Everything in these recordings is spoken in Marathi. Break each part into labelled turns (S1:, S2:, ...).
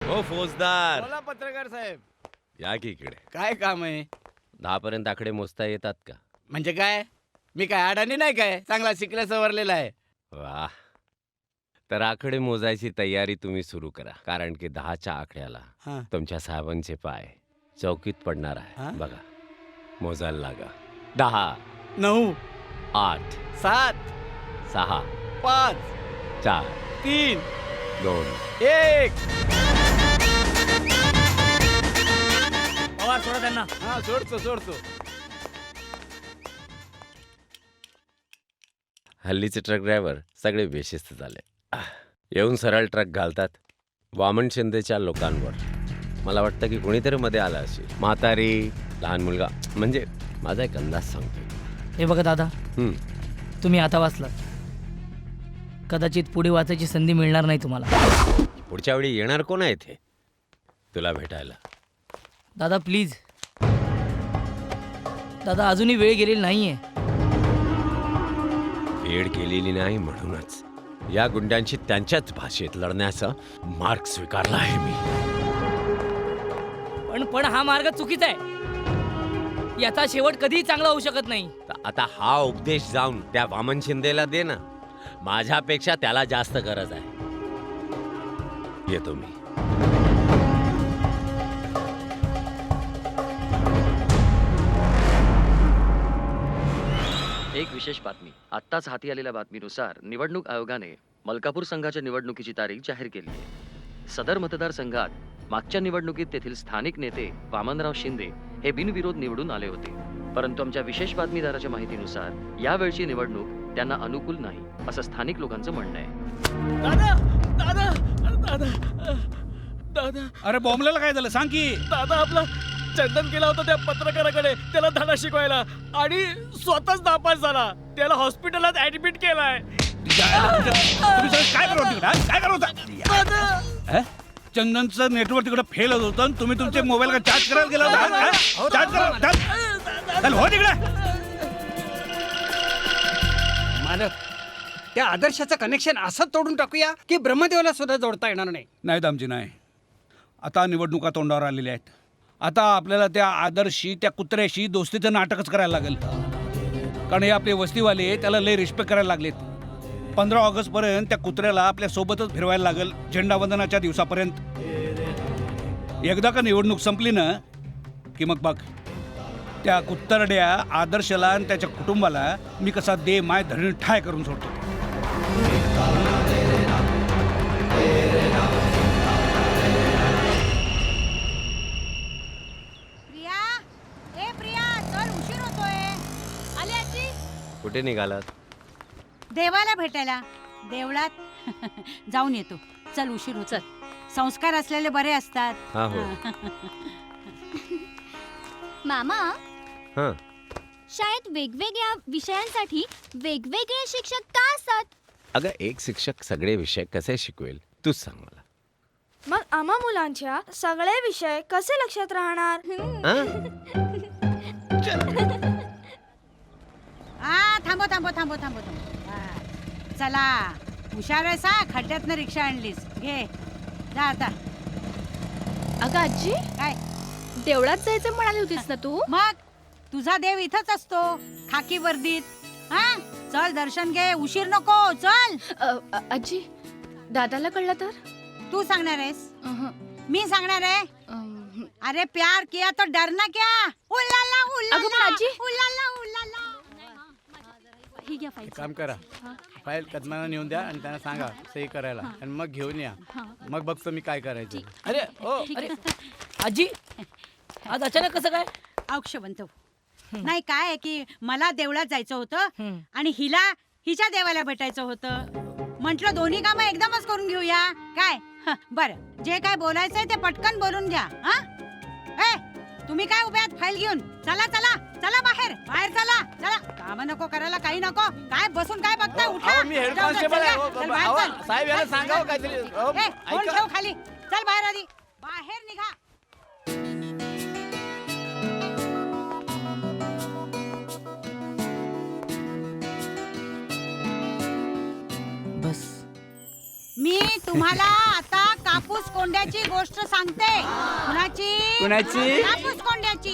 S1: हो फौजदार,
S2: बोला पत्रकार साहेब,
S1: या की इकडे.
S2: काय काम आहे?
S1: 10 पर्यंत आकडे मोजता येतात का?
S2: म्हणजे काय? मी काय अडाणी नाही काय? चांगला शिकला सवरलेला आहे.
S1: वाह. तर आकडे मोजायची तयारी तुम्ही सुरू करा, कारण की 10च्या आकड्याला
S2: हा.
S1: तुमच्या साहेबांचे पाय चौकीत पडणार
S2: हा?
S1: आहे. बघा, मोजायला लागा. 10,
S2: 9
S1: 8,
S2: 7
S1: 6,
S2: 5
S1: 4,
S2: 3
S1: 2.
S2: 1.
S3: पवार सोडा त्यांना.
S2: हा सोडतो.
S1: हल्लीचे ट्रक ड्रायव्हर सगळे बेशिस्त झाले. येऊन सरळ ट्रक घालतात वामन शिंदेच्या लोकांवर. मला वाटतं की कोणीतरी मध्ये आलं असेल. म्हातारी, लहान मुलगा, म्हणजे माझा एक अंदाज सांगतो.
S3: हे बघा दादा, तुम्ही आता वाचलात, कदाचित पुढे वाचायची संधी मिळणार नाही तुम्हाला.
S1: पुढच्या वेळी येणार कोण आहे इथे तुला भेटायला?
S3: दादा प्लीज, दादा अजूनही वेळ गेलेली नाहीये.
S1: वेळ केलेली नाही म्हणूनच या गुंड्यांशी त्यांच्याच भाषेत लढण्याचा मार्ग स्वीकारला आहे मी.
S3: पण हा मार्ग चुकीचा आहे. याचा शेवट कधीही चांगला होऊ शकत नाही.
S1: आता हा उपदेश जाऊन त्या वामन शिंदेला दे ना. माझ्यापेक्षा त्याला जास्त गरज आहे. येतो मी.
S4: एक विशेष बातमी. आत्ताच हाती आलेल्या बातमीनुसार निवडणूक आयोगाने मलकापूर संघाच्या निवडणुकीची तारीख जाहीर केली आहे. सदर मतदारसंघात मागच्या निवडणुकीत तेथील स्थानिक नेते वामनराव शिंदे हे बिनविरोध निवडून आले होते. परंतु आमच्या विशेष बातमीदाराच्या माहितीनुसार यावेळची निवडणूक त्यांना अनुकूल नाही, असं स्थानिक लोकांचं म्हणणं आहे.
S5: दादा दादा दादा दादा
S6: अरे बॉम्बलेला काय झालं सांग की.
S5: दादा आपला चंदन गेला होता त्या पत्रकाराकडे त्याला धडा शिकवायला आणि स्वतःच नापास झाला. त्याला हॉस्पिटलात ऍडमिट केलाय.
S6: तुम्ही सगळं काय करत होता? काय करत होता? चंदनचं नेटवर्क तिकडे फेल होत होतं आणि तुम्ही तुमचे मोबाईल का चार्ज करायला गेला होता? चार्ज करा. चल हो तिकडे.
S7: मालक, त्या आदर्शाचं कनेक्शन असं तोडून टाकूया की ब्रह्मदेवाला सुद्धा जोडता येणार नाही.
S6: नाही दामजी नाही. आता निवडणुका तोंडावर आलेल्या आहेत. आता आपल्याला त्या आदर्शी त्या कुत्र्याशी दोस्तीचं नाटकच करायला लागेल. कारण हे आपले वस्तीवाले त्याला लय रिस्पेक्ट करायला लागलेत. 15 ऑगस्टपर्यंत त्या कुत्र्याला आपल्या सोबतच फिरवायला लागेल, झेंडावंदनाच्या दिवसापर्यंत. एकदा का निवडणूक संपली ना की मग बघ, त्या कुत्तरड्या आदर्शला आणि त्याच्या कुटुंबाला मी कसा दे माय धरण ठाय करून सोडतो.
S1: कुठे निघालात?
S8: देवाला भेटायला. देवळात जाऊन येतो. चल, उशीर होत. संस्कार असलेले बरे असतात.
S1: हा हो.
S9: मामा,
S1: हां.
S9: शाळेत वेगवेगळ्या विषयांसाठी वेगवेगळे शिक्षक का असतात?
S1: अगं एक शिक्षक सगळे विषय कसे शिकवेल तूच सांग मला.
S9: मग आम्हा मुलांच्या सगळे विषय कसे लक्षात राहणार?
S8: थांबो. चला, हुशार आहेस हा. खड्ड्यातनं रिक्षा आणलीस. घे जा आता.
S9: अगं आजी,
S8: काय
S9: देवळात जायचं म्हणाली होतीस ना तू?
S8: मग तुझा देव इथंच असतो, खाकी वर्दीत. हा, चल दर्शन घे. उशीर नको. चल.
S9: आजी, दादाला कळलं तर?
S8: तू सांगणार आहेस? मी सांगणार आहे? अरे प्यार किया तो डरना क्या? उल्लाला उल्लाला
S9: आजी,
S8: उल्लाला उल्लाला.
S9: ही घ्या फाईल.
S2: काम करा, फाईल कदमाला नेऊन द्या आणि त्यांना सांगा सही करायला आणि मग घेऊन या. मग बघतो मी काय करायचं.
S3: अरे अरे आजी, आज अचानक कसं काय?
S8: औक्षवंत नाही, काय आहे की मला देवळात जायचं होतं आणि हिला हिच्या देवाला भेटायचं होतं. म्हटलं दोन्ही कामं एकदमच करून घेऊया. काय बरं, जे काय बोलायचंय ते पटकन बोलून घ्या. हा, तुम्ही काय उभे आहात फाईल घेऊन? चला चला चला, बाहेर बाहेर चला. चला, काम नको करायला, काही नको. काय बसून काय बघताय? उठा.
S2: मी हेड
S8: जाऊ दे,
S2: कॉन्स्टेबल आहे.
S8: चल, चल, बाहेर चल.
S2: साहेब याला
S8: चल,
S2: सांगावं
S8: चल,
S2: काहीतरी.
S8: चल. फोन ठेव खाली. चल बाहेर आधी. बाहेर निघा.
S3: बस.
S8: मी तुम्हाला आता कापूस कोंड्याची गोष्ट सांगते. कुणाची? कापूस कोंड्याची.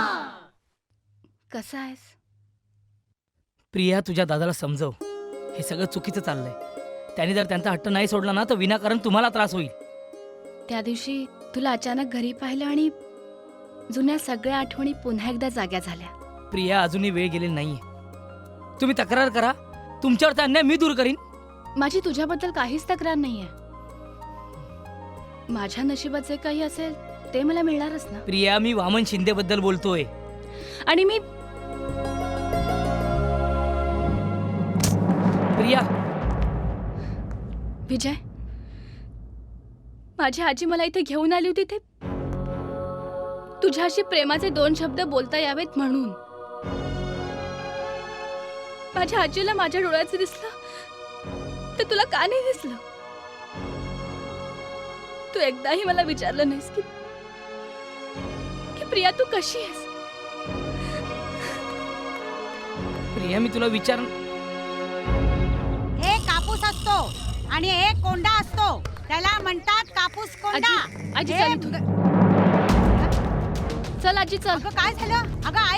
S9: कसा आहेस?
S3: प्रिया, तुझ्या दादाला समजव, हे सगळं चुकीचं चाललंय. त्यांनी जर त्यांचा हट्ट नाही सोडला ना तर विनाकारण तुम्हाला त्रास होईल.
S9: त्या दिवशी तुला अचानक घरी पाहिलं आणि जुन्या सगळ्या आठवणी पुन्हा एकदा जाग्या झाल्या.
S3: प्रिया, अजूनही वेळ गेलेली नाहीये. तुम्ही तक्रार करा, तुमच्यावरचा अन्याय मी दूर करीन.
S9: माझी तुझ्याबद्दल काहीच तक्रार नाहीये. माझ्या नशिबात जे काही असेल ते मला मिळणारच ना.
S3: प्रिया, मी वामन शिंदे बद्दल बोलतोय.
S9: आणि मी
S3: प्रिया,
S9: विजय, माझी आजी मला इथे घेऊन आली होती ते तुझ्याशी प्रेमाचे 2 शब्द बोलता यावेत म्हणून. माझ्या आजीला माझ्या डोळ्याचं दिसलं तर तुला का नाही दिसलं? तू एकदाही मला विचारलं नाहीस की प्रिया तू कशी आहेस?
S3: प्रिया, मी तुला विचार.
S8: एक कापूस असतो आणि एक कोंडा असतो, त्याला म्हणतात कापूस कोंडा.
S9: आजी,
S8: हे-
S9: चल इथून. चल आजी, चल.
S8: अगं काय झालं? अगं